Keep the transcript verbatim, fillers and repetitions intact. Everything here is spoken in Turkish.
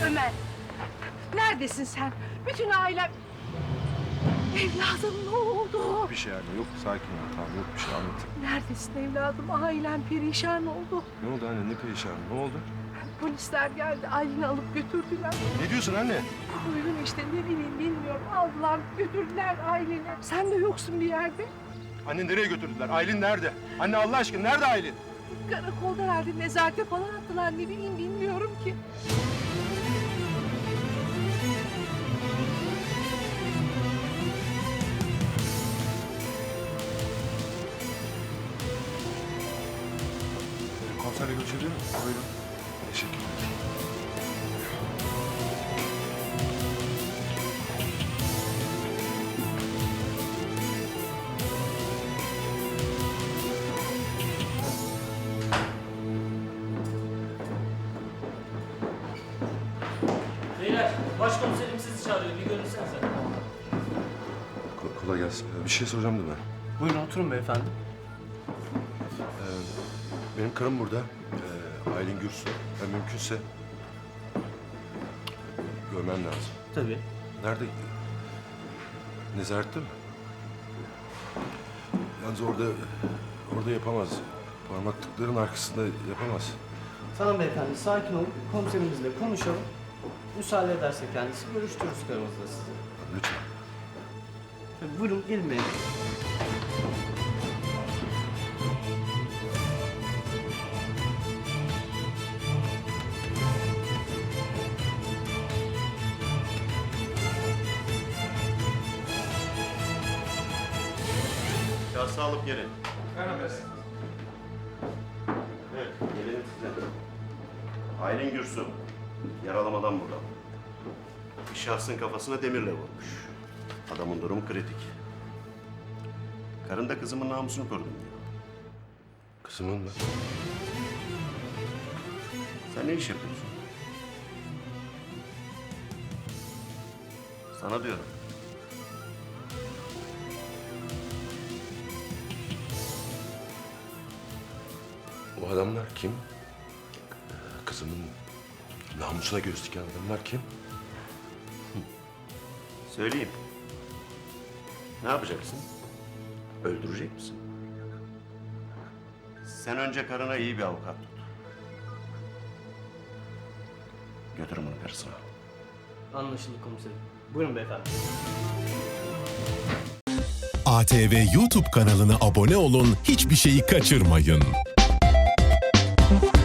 Ömer, neredesin sen? Bütün ailem... Evladım ne oldu? Bir şey anne yok, sakin ol, tamam yok bir şey, anlat. Neredesin evladım? Ailem perişan oldu. Ne oldu anne, ne perişan, ne oldu? Polisler geldi, Aylin'i alıp götürdüler. Ne diyorsun anne? Duydum işte, ne bileyim bilmiyorum. Aldılar, götürdüler Aylin'i. Sen de yoksun bir yerde. Anne nereye götürdüler? Aylin nerede? Anne Allah aşkına nerede Aylin? Karakolda herhalde, nezarete falan attılar. Ne bileyim bilmiyorum ki. Komiserle görüşebilir miyim? Buyurun. Teşekkür ederim. Beyler, başkomiserim sizi çağırıyor. Bir görünsenize. Ko- kolay gelsin. Ee, Bir şey soracağım da ben. Buyurun oturun beyefendi. Ee, benim karım burada. Ee, Aylin Gürsu. Ben mümkünse görmem lazım. Tabii. Nerede? Nezarette mi? Yalnız orada orada yapamaz. Parmaklıkların arkasında yapamaz. Tamam beyefendi, sakin olun. Komiserimizle konuşalım. Müsaade ederse kendisi görüştürürüz karımızla sizi. Lütfen. Tabii, buyurun gelin beyefendi. Kase alıp gelin. Evet, gelelim size. Aylin Gürsu, yaralamadan burada. Bir şahsın kafasına demirle vurmuş. Adamın durumu kritik. Karın da kızımın namusunu korudum diyor. Kızımın mı? Sen ne iş yapıyorsun? Sana diyorum. O adamlar kim? Ee, Kızımın namusuna göz diken adamlar kim? Söyleyeyim. Ne yapacaksın? Öldürecek misin? Sen önce karına iyi bir avukat tut. Götürün bunu karısına. Anlaşıldı komiserim. Buyurun beyefendi. A T V YouTube kanalına abone olun, hiçbir şeyi kaçırmayın.